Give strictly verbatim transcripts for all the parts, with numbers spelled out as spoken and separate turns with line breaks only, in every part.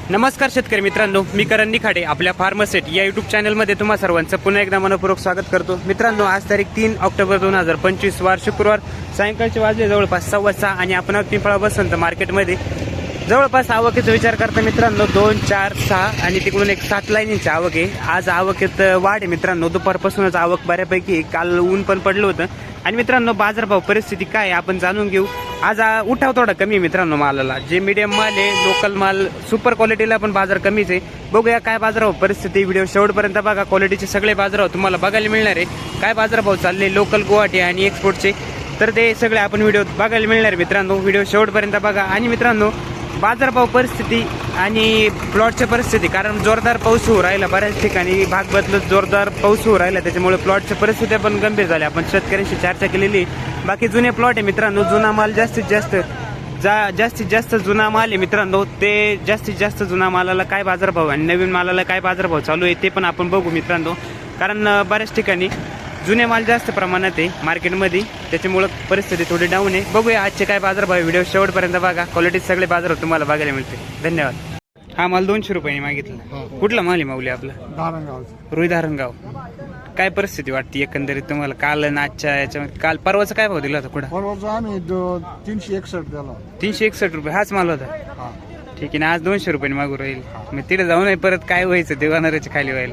नमस्कार शेतकरी मित्रांनो, मी करण निखाडे आपल्या फार्मसेट या युट्यूब चॅनलमध्ये तुम्हा सर्वांचं पुन्हा एकदा मनपूर्वक स्वागत करतो. मित्रांनो, आज तारीख तीन ऑक्टोबर दोन हजार पंचवीस वार शुक्रवार सायंकाळचे वाजले जवळपास सव्वा सहा आणि आपण पिंपळा बसंत मार्केटमध्ये जवळपास आवकेचा विचार करता मित्रांनो दोन चार सहा आणि तिकडून एक सात लाईनींची आवक आहे. आज आवकेत वाढ आहे मित्रांनो, दुपारपासूनच आवक बऱ्यापैकी. काल ऊन पण पडलं होतं. आणि मित्रांनो, बाजारभाव परिस्थिती काय आहे आपण जाणून घेऊ. आज उठाव थोडा कमी आहे मित्रांनो मालाला. जे मीडियम माल आहे, लोकल माल, सुपर क्वालिटीला पण बाजार कमीच आहे. बघूया काय बाजारभाव परिस्थिती. व्हिडिओ शेवटपर्यंत बघा. क्वालिटीचे सगळे बाजारभाव तुम्हाला बघायला मिळणार आहे. काय बाजारभाव चालले लोकल गुवाहाटी आणि एक्सपोर्टचे, तर ते सगळे आपण व्हिडिओ बघायला मिळणार आहे मित्रांनो. व्हिडिओ शेवटपर्यंत बघा. आणि मित्रांनो, बाजारभाव परिस्थिती आणि प्लॉटच्या परिस्थिती, कारण जोरदार पाऊस होऊ राहिला बऱ्याच ठिकाणी, भाग बदलत जोरदार पाऊस होऊ राहिला, त्याच्यामुळे प्लॉटच्या परिस्थिती पण गंभीर झाल्या. आपण शेतकऱ्यांशी चर्चा केलेली. बाकी जुने प्लॉट आहे मित्रांनो, जुना माल जास्तीत जास्त जा जास्तीत जास्त जुना माल आहे मित्रांनो, ते जास्तीत जास्त जुना मालाला काय बाजारभाव आणि नवीन मालाला काय बाजारभाव चालू आहे ते पण आपण बघू मित्रांनो. कारण बऱ्याच ठिकाणी जुने माल जास्त प्रमाणात आहे मार्केटमध्ये, त्याच्यामुळं परिस्थिती थोडी डाऊन आहे. बघूया आजचे काय बाजारभाव. व्हिडिओ शेवटपर्यंत बघा. क्वालिटी सगळे बाजार तुम्हाला बघायला मिळते. धन्यवाद. हा माल दोनशे रुपयांनी मागितला. कुठला माल आहे माऊली आपला?
धारणगाव.
रुई धारणगाव. काय परिस्थिती वाटते एकंदरीत तुम्हाला काल आणि आजच्या याच्यामध्ये? काल परवाचा काय भाव दिला होता कुठं?
परवाचा आम्ही दो- तीनशे एकसष्ट दिला.
तीनशे एकसष्ट रुपये हाच माल होता.
हा.
ठीक आहे ना. आज दोनशे रुपयांनी मागू राहील. मग तिथे जाऊ नये परत काय व्हायचं ते वानराच्या खाली व्हायला.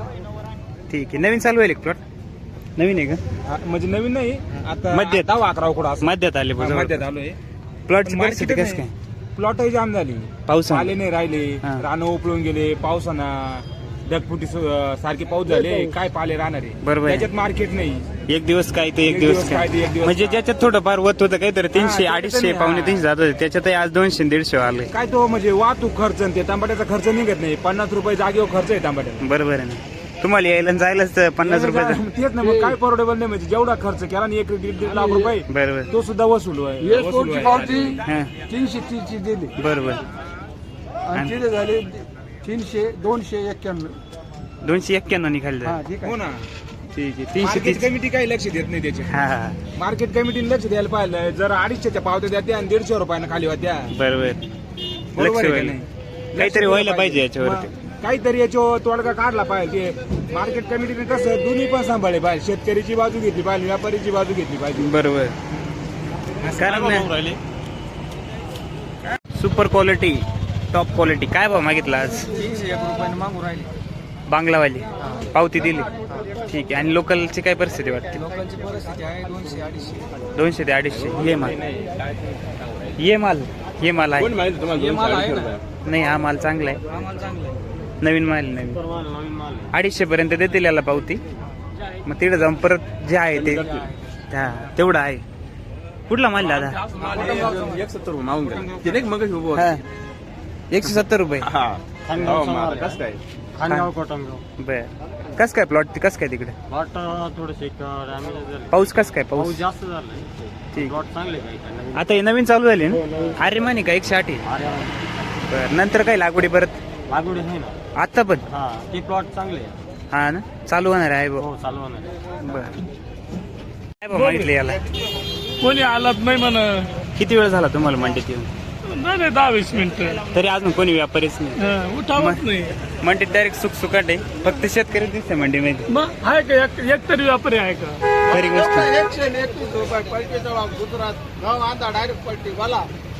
ठीक आहे. नवीन चालू होईल प्लॉट? नवीन आहे का?
म्हणजे नवीन नाही, आता
मध्यात.
दहा अकरा कुठं असं
मध्येत आले
मध्यात आलोय.
प्लॉटची परिस्थिती कसं काय?
प्लॉटही जाम झाली,
पावसाने?
आले नाही राहिले,
हा.
रानं उपळून गेले पावसानं, ढगफुटी सु- सारखे पाऊस झाले, काय पाले राहणार आहे.
बरोबर आहे.
त्याच्यात मार्केट नाही.
एक दिवस काय ते एक
एक
दिवस
दिवस
काय
काय ते एक दिवस
म्हणजे
काय.
ज्याच्यात थोडं फार वत होतं काहीतरी तीनशे
त्याच्यात
अडीचशे
नाही,
पावणे
हा.
तीनशे जात होते, त्याच्यातही आज दोनशे दीडशे आले.
काय तो म्हणजे वाहतूक खर्च आणि ते टमाट्याचा खर्च निघत नाही. पन्नास रुपये जागेवर खर्च आहे टमाट्याचा.
बरोबर आहे ना. तुम्हाला यायला आणि जायलाच पन्नास रुपये
तेच ना, मग काय परवडेबल नाही. म्हणजे जेवढा खर्च केला ना एक दीड दीड लाख रुपये,
बरोबर.
तो सुद्धा वसूल आहे. वसूल
एक्सपोर्टची
आहे.
पावती
हा.
तीनशे तीसची दिली
बरोबर.
आणि तिथे झाले तीनशे दोनशे एक्क्याण्णव.
दोनशे एक्क्याण्णव निघाले.
हा ठीक
हो
आहे.
ना.
ठीक आहे. तीनशे
मार्केट
तीस.
कमिटी काही लक्ष देत नाही त्याचे.
हा हा
मार्केट कमिटीने लक्ष द्यायला पाहिजे. जर अडीचशेच्या पावत्या द्या आणि दीडशे रुपयानं खाली होत्या,
बरोबर.
बरोबर
लक्ष
आहे का
व्हायला.
नाही?
काहीतरी
लक्ष
व्हायला
द्यायला
पाहिजे याच्यावरती.
मग काहीतरी याच्यावर तोडगा काढला पाहिजे. मार्केट कमिटीने कसं दोन्ही पण सांभाळले पाहिजे. शेतकऱ्याची बाजू घेतली पाहिजे, व्यापारीची बाजू घेतली पाहिजे.
बरोबर. कारण सुपर क्वालिटी, टॉप क्वालिटी. काय भाव मागितला आज?
तीनशे एक रुपयाने मागू राहिले.
बांगलावाली पावती दिली. ठीक आहे. आणि लोकलची काय परिस्थिती वाटते?
लोकांची परिस्थिती आहे दोनशे अडीचशे.
दोनशे ते अडीचशे. ये माल ये माल ये माल आहे.
हे माल आहे ना.
नाही, हा माल चांगला आहे.
आम्हाला चांगलं आहे.
नवीन माल नवीन
नवीन माल
अडीचशे पर्यंत देतील याला पावती. मग तिकडे जाऊन परत जे आहे ते हा तेवढं आहे. कुठला माल दादा?
एक सत्तर मागून गेला मग
हा. एकशे सत्तर रुपये.
खानगाव कोटमगाव.
बर. कस काय प्लॉट कस काय तिकडे?
वाट थोडंसे डॅमेज
पाऊस कस काय? पाऊस
जास्त झालाय.
ठीक.
प्लॉट चांगले काही
आता हे नवीन चालू झाले ना? अरे माने का एकशे आठ आहे? बर. नंतर काय लागवडी परत?
लागवड आहे ना.
आता पण?
हा ते प्लॉट चांगले आहे.
हा ना, चालू होणार आहे.
हो चालू होणार.
बर. काय भाव मागितले याला?
कोणी आलात नाही म्हण.
किती वेळ झाला तुम्हाला मंडीत येऊन?
नाही नाही दहा वीस मिनिटं.
तरी अजून कोणी व्यापारीच नाही.
हं, उठावत नाही.
मंडीत डायरेक्ट सुक सुकाट आहे. फक्त शेतकरी दिसते मंडीमध्ये.
मग आहे का एक एक तरी व्यापारी आहे का?
खरी गोष्ट.
एकशे एकतीस रुपये पलटीचा गुजरात गाव आणता डायरेक्ट पलटी बोला.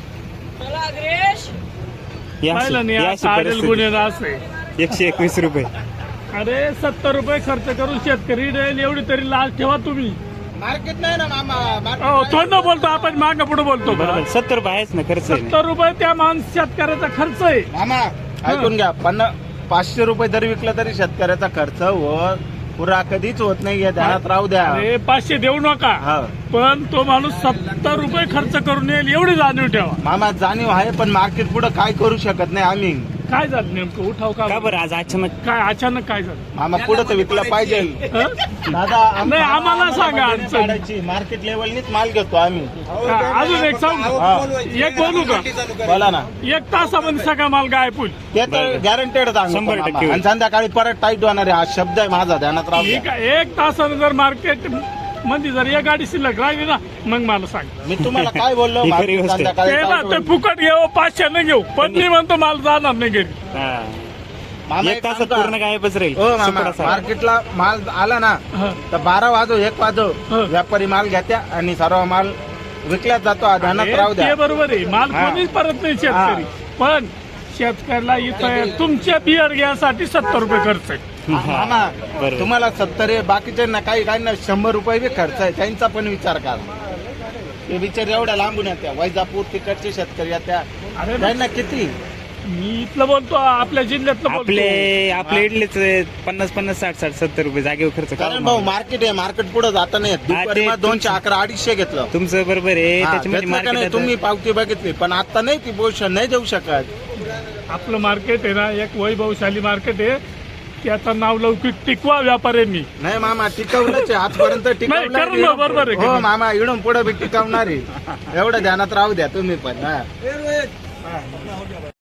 ही अशी-
पाहिलं नाही
ही
आता
अशी
आडेल
परिस्थिती.
गुन्हेगार आहे.
एकशे एकवीस रुपये.
अरे सत्तर रुपये खर्च करून शेतकरी देईल एवढी तरी लाच ठेवा तुम्ही.
मार्केट नाही ना मामा.
हो थोडं बोलतो आपण मागे पुढे बोलतो का?
बरोबर. सत्तर रुपये आहेच ना खर्च आहे ना.
सत्तर रुपये त्या माणूस शेतकऱ्याचा खर्च आहे.
मामा ऐकून घ्या. पन्नास पाचशे रुपये जरी विकला तरी शेतकऱ्याचा खर्च व पुरा कधीच होत नाही. या ध्यानात राहू द्या.
अरे पाचशे देऊ नका,
हा
पण तो माणूस सत्तर रुपये खर्च करून येईल एवढी जाणीव ठेवा.
मामा जाणीव आहे, पण मार्केट पुढे काय करू शकत नाही आम्ही.
काय झालं नेमकं? उठाव
का
का
बरं आज अचानक?
काय अचानक काय झालं?
मामा पुढे तर विकला पाहिजे.
हं?
दादा आम-
नाही, आम्हाला सांगा अडचण.
काढायची मार्केट लेवलनीच माल घेतो आम्ही.
हा, अजून एक सांगू
हा.
एक बोलू का?
बोला ना.
एक तासामध्ये सगळा माल गायब होईल.
ते तर गॅरंटेड
शंभर टक्के होईल.
आणि संध्याकाळी परत टाईट होणार आहे. हा शब्द आहे माझा, ध्यानात राहू
ठीक
द्या.
आहे. एक तासानं जर मार्केट मध्ये जर एक गाडी शिल्लक राहिली ना मग मला सांग.
मी तुम्हाला काय बोललो
ही खरी
मार्केट
गोष्ट आहे.
संध्याकाळी
ते ना
काय
ते
होईल?
फुकट घेऊ पाचशे न घेऊ पण मी म्हणतो मला जाणार नाही घरी.
हा.
मामा
एक
एक
तासात
सांगू का?
पूर्ण गायबच राहील
हो मामा
सुपडा सारा.
मार्केटला माल आला ना
हा.
तर बारा वाजो एक वाजो
हा.
व्यापारी माल घेत्या आणि सर्व माल विकल्याच जातो ध्यानात राहू
अरे,
द्या.
ते बरोबर आहे माल
हा.
कोणीच परत नाही शेतकरी पण शेतकऱ्याला इथं तुमच्या बियर घ्यासाठी सत्तर रुपये खर्च आहे.
मामा
बरोबर.
तुम्हाला सत्तर आहे बाकीच्यांना काही काही ना शंभर रुपये बी खर्च आहे त्यांचा पण विचार करा. ते बिचार एवढ्या लांबून येत्या वैजापूर तिकडचे शेतकरी येत्या
अरे
त्यांना किती
मी इथलं बोलतो आपल्या जिल्ह्यातलं बोलतो.
आपले आपले इडलेच पन्नास पन्नास साठ साठ सत्तर रुपये जागेवर खर्च
कारण
करा.
भाऊ मार्केट आहे मार्केट पुढे जाता नाही येत. दुपारी
ते
मग दोनशे अकरा अडीचशे घेतलं
तुमचं बरोबर आहे
हा,
त्याच्यामध्ये
घेतलं का नाही?
मार्केट
तुम्ही पावती बघितली पण आता नाही ती पोषण नाही देऊ शकत.
आपलं मार्केट आहे ना एक वैभवशाली मार्केट आहे त्याचं नाव लौकिक टिकवा व्यापार आहे मी.
नाही मामा टिकवलंच आहे आजपर्यंत
करू ना,
टिकवलं
बरोबर आहे,
हो
करू.
मामा इडून पुढे बी टिकवणार आहे एवढं ध्यानात राहू द्या तुम्ही पण हा